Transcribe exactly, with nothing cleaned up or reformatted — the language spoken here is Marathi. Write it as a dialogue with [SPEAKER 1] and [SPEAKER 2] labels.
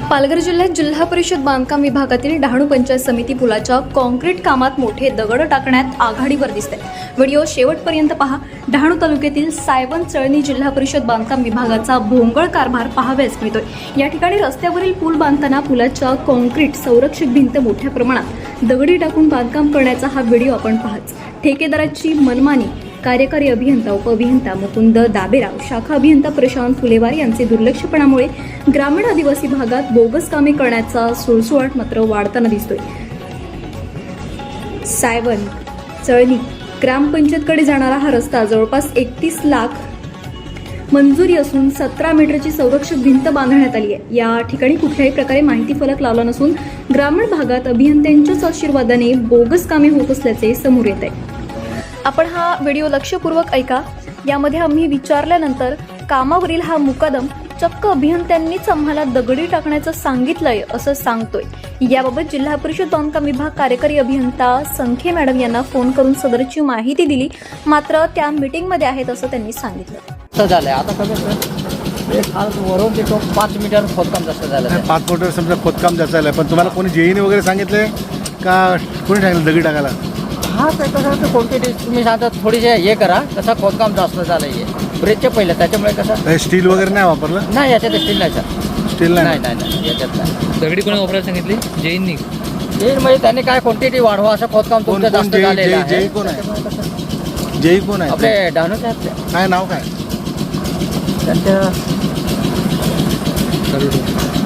[SPEAKER 1] पालघर जिल्ह्यात जिल्हा परिषद बांधकाम विभागातील डहाणू पंचायत समिती पुलाच्या कॉन्क्रीट कामात मोठे दगड टाकण्यात आघाडीवर दिसते। व्हिडिओ शेवटपर्यंत पहा। डहाणू तालुक्यातील सायवन चळणी जिल्हा परिषद बांधकाम विभागाचा भोंगळ कारभार पाहावयास मिळतोय। या ठिकाणी रस्त्यावरील पूल बांधताना पुलाच्या कॉन्क्रीट संरक्षक भिंत मोठ्या प्रमाणात दगडी टाकून बांधकाम करण्याचा हा व्हिडिओ आपण पाहाच। ठेकेदाराची मनमानी, कार्यकारी अभियंता उपअभियंता मुकुंद दाबेराव, शाखा अभियंता प्रशांत फुलेवार यांचे दुर्लक्षपणामुळे ग्रामीण आदिवासी भागात बोगस कामे करण्याचा सुळसुळाट मात्र वाढताना दिसतोय। सायवन चळणी ग्रामपंचायतकडे जाणारा हा रस्ता जवळपास एकतीस लाख मंजुरी असून सतरा मीटरची संरक्षक भिंत बांधण्यात आली आहे। या ठिकाणी कुठल्याही प्रकारे माहिती फलक लावला नसून ग्रामीण भागात अभियंत्यांच्याच आशीर्वादाने बोगस कामे होत असल्याचे समोर येत आहे। आपण हा व्हिडिओ लक्षपूर्वक ऐका। यामध्ये आम्ही विचारल्यानंतर कामावरील हा मुकादम चक्क अभियंत्यांनीच आम्हाला दगडी टाकण्याचं सांगितलंय असं सांगतोय। याबाबत जिल्हा परिषद बांधकाम विभाग कार्यकारी अभियंता संखे मॅडम यांना फोन करून सदरची माहिती दिली, मात्र त्या मीटिंगमध्ये आहेत असं त्यांनी सांगितलं।
[SPEAKER 2] झालंय आता कसं वरून देतो पाच मीटर खोदकाम जास्त झालं।
[SPEAKER 3] पाच मीटर समजा खोदकाम जास्त झालं, पण तुम्हाला कोणी जेईने वगैरे सांगितले का कोणी सांगितलं दगडी टाकायला?
[SPEAKER 2] हा ते कसं क्वांटिटी तुम्ही सांगता थोडीशी हे करा, कसं खोदकाम जास्त झालं आहे ब्रेकच्या पहिलं, त्याच्यामुळे कसं
[SPEAKER 3] स्टील वगैरे नाही वापरलं?
[SPEAKER 2] नाही याच्यात स्टील नाही सर,
[SPEAKER 3] स्टील
[SPEAKER 2] नाही नाही नाही याच्यात नाही।
[SPEAKER 4] दगडी कोणी वापरायला सांगितली? जैननी
[SPEAKER 2] जैन म्हणजे त्यांनी काय क्वांटिटी वाढवा असं खोदकाम तुमचं जास्त झालेलं आहे।
[SPEAKER 3] जेई कोण आहे? जेई कोण आहे?
[SPEAKER 2] आपले डहाणूचे आपले
[SPEAKER 3] काय नाव काय
[SPEAKER 2] त्यांच्या